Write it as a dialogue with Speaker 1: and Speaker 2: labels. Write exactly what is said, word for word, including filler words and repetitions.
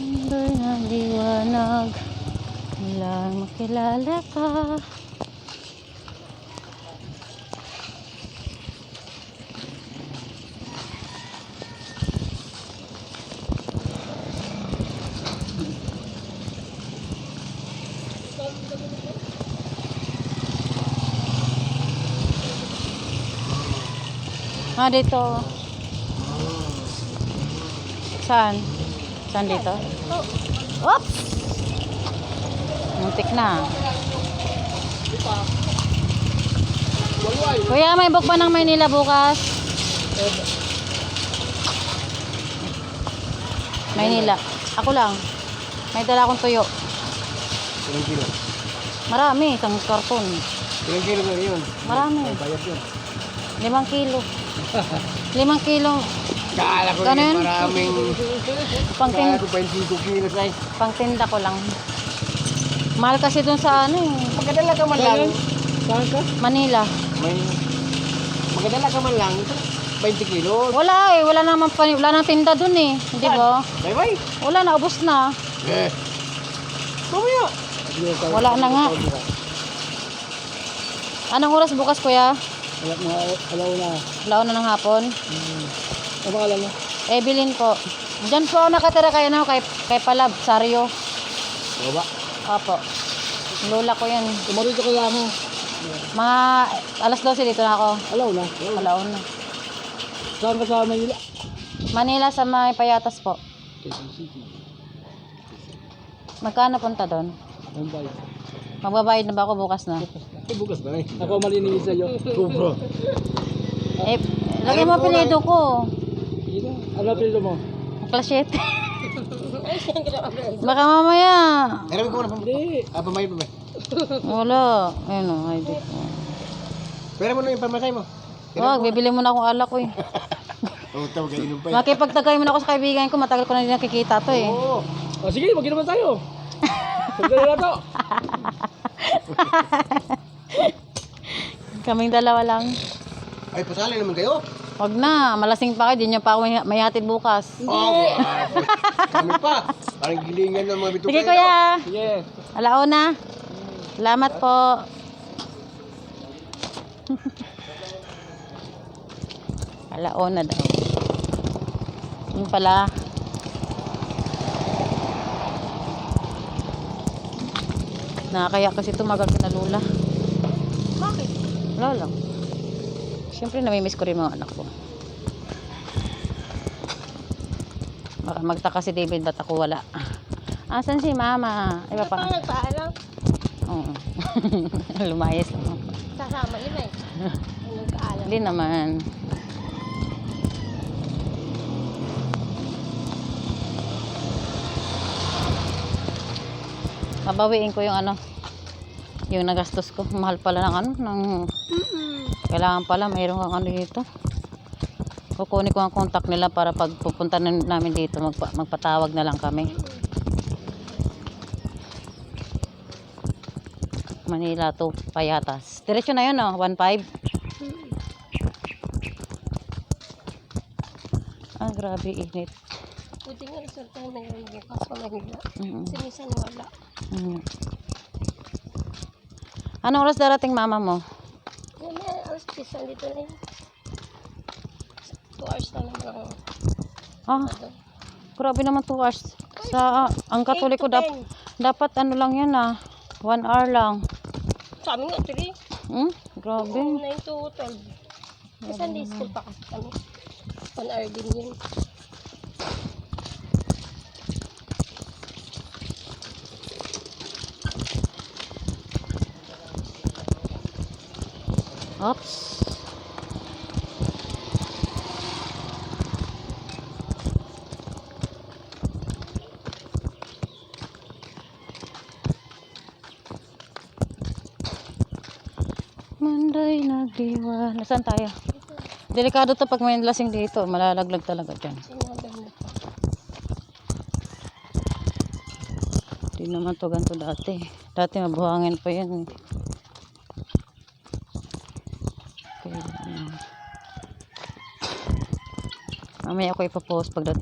Speaker 1: Mundo'y naliwanag mula makilala ka. Ah, dito. Saan? Saan dito? Oops! Muntik na. Kuya, may book ba ng Maynila bukas? Maynila. Ako lang. May dala akong tuyo.
Speaker 2: Ilang kilo?
Speaker 1: Marami, isang karton.
Speaker 2: Ilang kilo ba yun?
Speaker 1: Marami.
Speaker 2: Bayad yun.
Speaker 1: Limang kilo. Limang kilo.
Speaker 2: Kala ko
Speaker 1: Ganun?
Speaker 2: yun maraming...
Speaker 1: Pangtin
Speaker 2: Kala ko twenty-two kilos ay.
Speaker 1: pangtinda ko lang. Mahal kasi dun sa ano eh.
Speaker 2: Magdala ka man lang. Saan ka?
Speaker 1: Manila.
Speaker 2: May... Magdala ka man lang. twenty kilos.
Speaker 1: Wala eh. Wala naman pa, wala nang tinda dun eh. Hindi ba?
Speaker 2: Bye bye.
Speaker 1: Wala na. Ubos na.
Speaker 2: Eh. Mamaya.
Speaker 1: Wala na nga. Anong oras bukas kuya?
Speaker 2: Wala na. Alaw na.
Speaker 1: Laon na ng hapon.
Speaker 2: Hmm. Ano ba alam mo?
Speaker 1: Evelyn po. Diyan po ako nakatira kay, ano, kay, kay Palab, Sario.
Speaker 2: Baba.
Speaker 1: Opo. Lola ko yan.
Speaker 2: Tumarito ka lang mo.
Speaker 1: Mga alas dose dito na ako.
Speaker 2: Alaw na.
Speaker 1: Alaon na.
Speaker 2: Saan ka sa Manila?
Speaker 1: Manila sa may Payatas po.
Speaker 2: Quezon City.
Speaker 1: Magkano punta doon?
Speaker 2: Bombay.
Speaker 1: Magbabayad na ba ako bukas na?
Speaker 2: Ay, bukas ba eh? Ako malinis sa'yo. Sobra.
Speaker 1: Eh, lagay mo apelido ko.
Speaker 2: Ano apelido mo?
Speaker 1: Klasete. Baka mamaya.
Speaker 2: Meron ko na pa. Hindi. Ah, pamayad pa ba?
Speaker 1: Wala. Ayun o, I D ko.
Speaker 2: Pera mo na yung pamasay mo.
Speaker 1: Wag, bibili mo na akong alak ko eh.
Speaker 2: Oo, tawag kayo inom pa.
Speaker 1: Makipagtagay mo na ako sa kaibigan ko. Matagal ko na din nakikita to eh.
Speaker 2: Oo. Oh, sige, mag-inuman tayo. Sandali na to.
Speaker 1: Kaming dalawa lang.
Speaker 2: Ay, pasali naman kayo.
Speaker 1: Wag na, malasing pa kayo. Di nyo pa ako may- may hatid bukas.
Speaker 2: Oo. Kami pa. Parang gilingan ng mga bituka.
Speaker 1: Sige kuya.
Speaker 2: Sige.
Speaker 1: Alauna. Salamat po. Alauna daw. Yung pala. Nakakaya kasi tumagal ka na Lola.
Speaker 2: Bakit?
Speaker 1: Wala lang. Siyempre namimiss ko rin mga anak ko. Baka magtaka si David ba't ako wala. Asan si mama? Ay, papa.
Speaker 3: Paano nagpaalam?
Speaker 1: Oo. Lumayas lang.
Speaker 3: Sasama nila eh. Ano nagpaalam?
Speaker 1: Hindi naman. Babawiin ko yung ano, yung nagastos ko. Mahal pala ng ano, ng kailangan pala mayroon kang ano dito. Kukunin ko ang contact nila para pag pupunta na namin dito magpa, magpatawag na lang kami. Manila to Payatas. Diretso na yun oh, one five. Ah, grabe init.
Speaker 3: Buti nga resulta na ngayon bukas sa Manila.
Speaker 1: Mm.
Speaker 3: Kasi minsan wala.
Speaker 1: Mm. Anong oras darating mama mo?
Speaker 3: Yan na, alas pisan dito na yun. two hours na lang lang.
Speaker 1: Ah, grabe naman two hours. Sa, ah, ang katoliko dap, dapat ano lang yan ah, one hour lang.
Speaker 3: Sa amin nga, three.
Speaker 1: Hmm? Grabe.
Speaker 3: nine to twelve. Kasi Sunday school pa kasi kami. one hour din yun.
Speaker 1: Oops. Manday nagdiwa. Nasaan tayo? Delikado to pag may lasing dito. Malalaglag talaga dyan.
Speaker 3: Sinabi mo.
Speaker 1: Hindi naman to ganito dati. Dati mabuhangin pa yan. Okay. Mamaya ako ipapost pagdating.